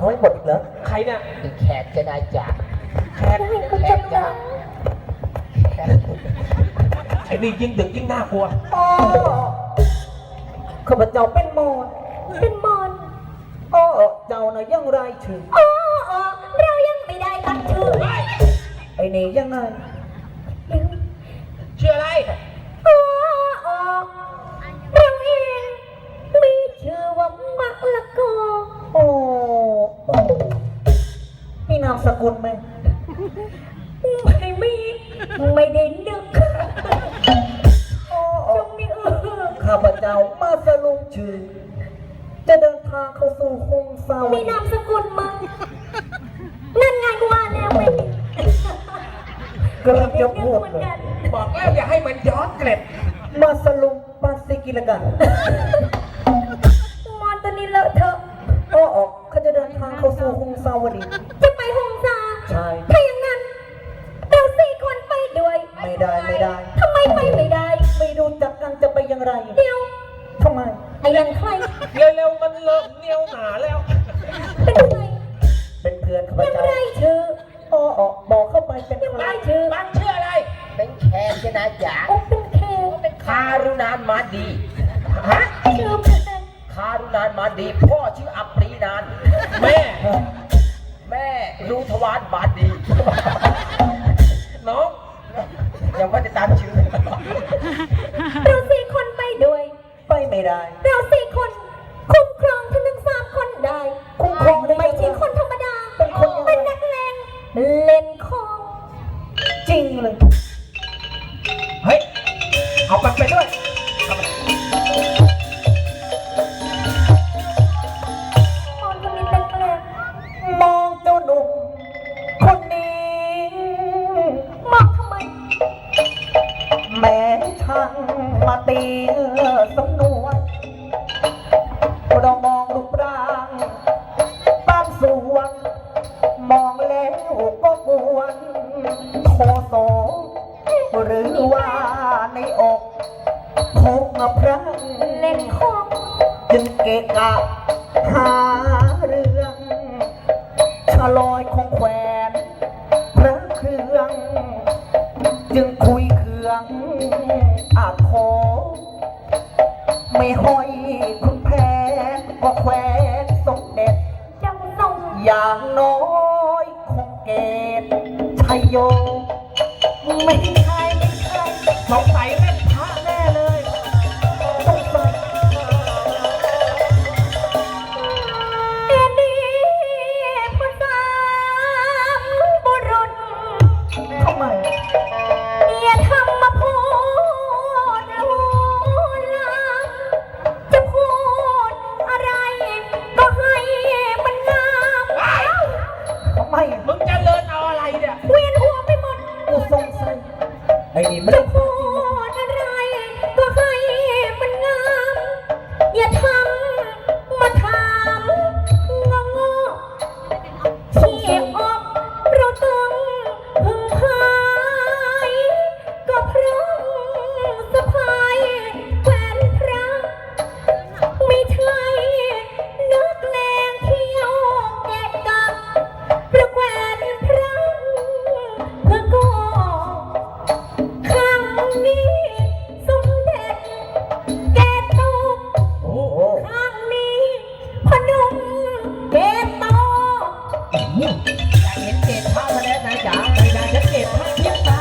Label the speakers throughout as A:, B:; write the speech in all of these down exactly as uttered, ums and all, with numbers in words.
A: เขาให้หมดอีกเหรอ
B: ใครเนี่ย
C: แขกจะได้จ่า
B: แขกแขกจ้าไอ้นี่ยิ่งดึกยิ่งน่ากลัว
A: อ๋อข้าพเจ้าเป็นมอน
D: เป็นมอน
A: อ๋อเจ้าน่ะยังไรชื่อ
D: อ๋ออ๋อเรายังไม่ได้ตั้งชื่อ
A: ไอ้นี่ยังไง
B: ชื่ออะไร
D: อ๋ออ๋อเราเองมีชื่อว่ามะละกอ
A: โอ้มีนามสกุลไหม
D: ไม่มีไม่ได้นึกจงมีเออ
A: ข้าพเจ้ามาสลุงชื่อจะเดินทางเข้าสู่คงสาว
D: มีนามสกุลมั้งนั่นไงกูว่าแล้วไม่
A: กำลังจะพูดเลย
B: บอกแล้วอย่าให้มันย้อนเกล็ด
A: มาสลุงปาสิกิลกัน
D: มอนตัวนี้เลอะเทอะ
A: อ๋อเขาจะเดินทางเข้าสู่คงสาวดี
D: จะไปหงสา
A: ใช่
D: ถ้าอย่างนั้นเราสี่คนไปด้วย
A: ไม่ได้ไม่ได้
D: ทำไมไปไม่ได้
A: ไม่รู้จักกันจะไปอย่างไร
D: เดี๋ยว
A: ทำไม
D: ไอ้ยันใคร
B: เร็วๆมันเริ่มเหนียวหนาแล้ว
D: เป็นใคร
A: เป็นเพื่อนข้าพเจ้า
D: ยังไรชื่อ
A: อ๋อบอกเข้าไปเป็น
D: ยัง
A: ใคร
D: ไรชื่อ
B: บ้านชื่ออะไร
C: เป็นแขกจะได้จ่า
D: โอ้เป็นแขก
C: เป็นคารุนานมาดี
B: ฮะ
D: ชื่อเป็น
C: คารุนานมาดีพ่อชื่ออัปรีนาน
B: แม่
C: แม่รู้ทวารบาดี
B: น้อง
C: ยังไม่ได้ตามชื่อ
D: เราสี่คนไปด้วย
A: ไปไม่ได้
D: เราสี่คนคุ้มครองท่านทั้งสามคนได้
A: คุ้มครองได้
D: ไม่ใช่คนธรรมดา
A: เป็นคน
D: เป็นนักเลงเล่นของ
A: จริงเลย
B: เฮ้ยเอาไปไปด้วย
D: คนคนนี้เป็นแปลก
A: มองเจ้าหนุ่มคนนี้
D: มองทำไม
A: แม้ช่างมาตีสำนวนเรามองรูปร่างบางส่วนมองแล้วก็กวนโทโสหรือว่าในอกพกพระ
D: เล่นของ
A: จึงเกะกะหาเรื่องชะลอยของแขวนพระเครื่องจึงคุยเครื่องอาโคไม่ห้อยคุณแพ้ก็แขวนสมเด็จ
D: จังส่ง
A: อย่างน้อยคงเกตชัยโยไม่ใช่ไม่ใช่
B: สงสัยเล่นพระแน่เลย
A: ต้องใส่
D: เอ็นดีผู้สามบุรุษ
A: ทำไม
D: อย่าทำมาพูดลวนลามจะพูดอะไรก็ให้มันงาม
A: ทำไม
B: มึงจะเลินเอาอะไรเนี่ย
D: เวียนหัวไปหมด
A: กูสงสัยไอ้นี่ไม่
D: จะ
A: ได้
D: พูดอะไรก็ให้มันงามอย่าทำมาถามงงๆที่อกเราต้องพึ่งพายก็เพราะสะพายแขวนพระไม่ใช่นักเลงเที่ยวแกะกับประแขวนพระเพื่อก็ครั้งนี้สมเด็จแกตก
A: โอ้โห
D: ครั้งนี้พนมแกตก
C: อยากเห็นเกศพระมาแล้วนะจ๋าไปได้ฉันเกศพระเทียบตา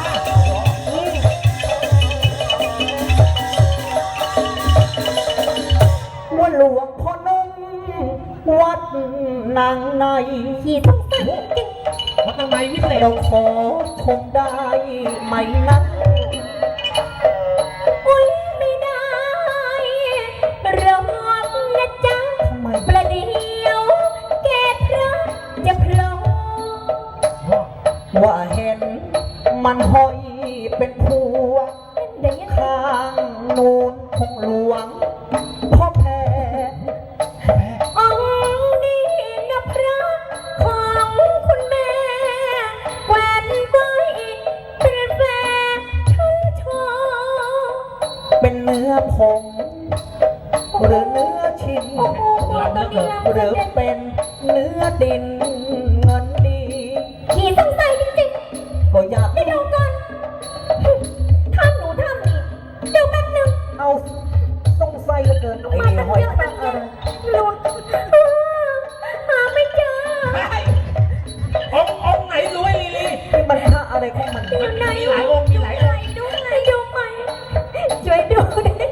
A: ว่าหลวงพ่อนมวัดนางใน
D: ที่ต้องใส่จริง
B: วัดทำไมวิเศษ
A: เราขอชมได้ไหมนะ
D: อุ้ยไม่ได้รอกนะจ๊ะ
A: ทำไม
D: ประเดี๋ยวแกพระจะโผล่
A: ว่าเห็นมันห้อยเป็นพวงข้างนูนของหลวงพ่อแพ้
D: องค์นี้นะพระของคุณแม่แหวนไว้เป็นแฟนฉันชอ
A: เป็นเนื้อผงหรือเนื้อชิ้นหรือเป็นเนื้ออดินเงินดี
D: ขี่สงสัยจริง
A: ก็อยาก
D: ๆไม่ดูก่อนทำหนูทำนี่เดี๋ยวแป๊บนึง
A: เอาสงสัยเหลือเกินไอ้
D: มา
A: นี่
D: ตั้ง
A: ห้อย
D: เยอะ
A: พระ
D: ตั้ง
A: อะ
D: แยะ
A: ไร
D: ลุ้นหาไม่เจอ
B: องค์องค์ไหนรวยลีลี
A: นี่มันพระอะไรของมัน
D: อยู่ไหน
B: มีหลายองค์มีหลายองค์
D: ดูไหนดูไหมช่วยดูดิ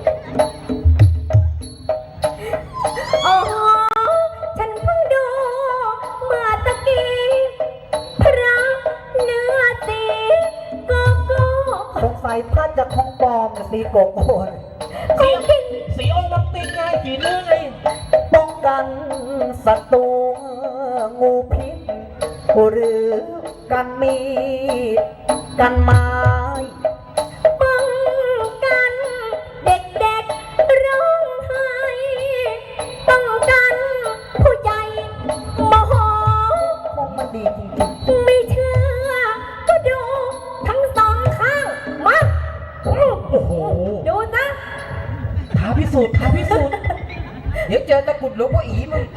D: อ๋อฉันเพิ่งดูเมื่อตะกี้พระเนื้อสีโกโก้
A: สงสัยพระจะของปลอมน่ะสีโกโก้น่ะ
B: สีสีองค์มันติดไงสีเนื้อไง
A: ป้องกันศัตรูงูพิษหรือกันมีดกันไม้
D: ป้องกันเด็กๆร้องไห้ป้องกันผู้ใหญ่โมโห
A: ของมันดีจริงๆ
D: ไม่เชื่อก็ดูทั้งสองข้างมา
B: โอ้โห
D: ดูนะ
B: ท้าพิสูจน์ท้าพิสูจน์เดี๋ยวเจอตะกรุดหลวงพ่ออีมึง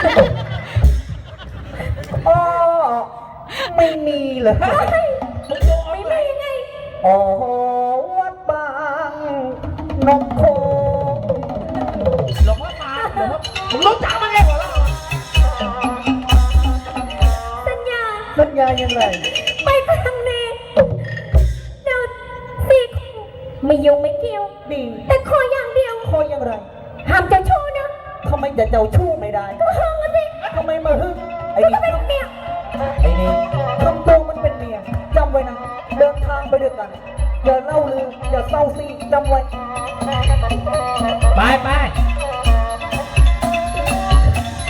A: อ๋อไม่มีเลย
B: มึงดูเอา
D: ไม่
B: ไหน
D: ได้ยังไง
A: อ๋อวัดบางนมโค
B: หลวงพ่อตาหลวงพ่อมึงรู้จักมันไงหัวเราะ
D: สัญญา
A: สัญญายังไง
D: ไปครั้งนี้เราสี่คู่ไม่ยุ่งไม่เกี่ยว
A: ดี
D: แต่ขออย่างเดียว
A: คอยังไร
D: ห้ามเจ้าชู้นะ
A: ทำไมจะเจ้าชู้ไม่ได้
D: ก็ห้ามมาสิ
A: ทำไมมาฮึ่งไอ้
D: ก็
A: นี่
D: เป็นเมีย
A: ไอ้นี่ทำตัวมันเป็นเมียจำไว้นะ เดินทางไปด้วยกัน อย่าเล่าลืออย่าเศร้าซีจำไว้
B: ไปไป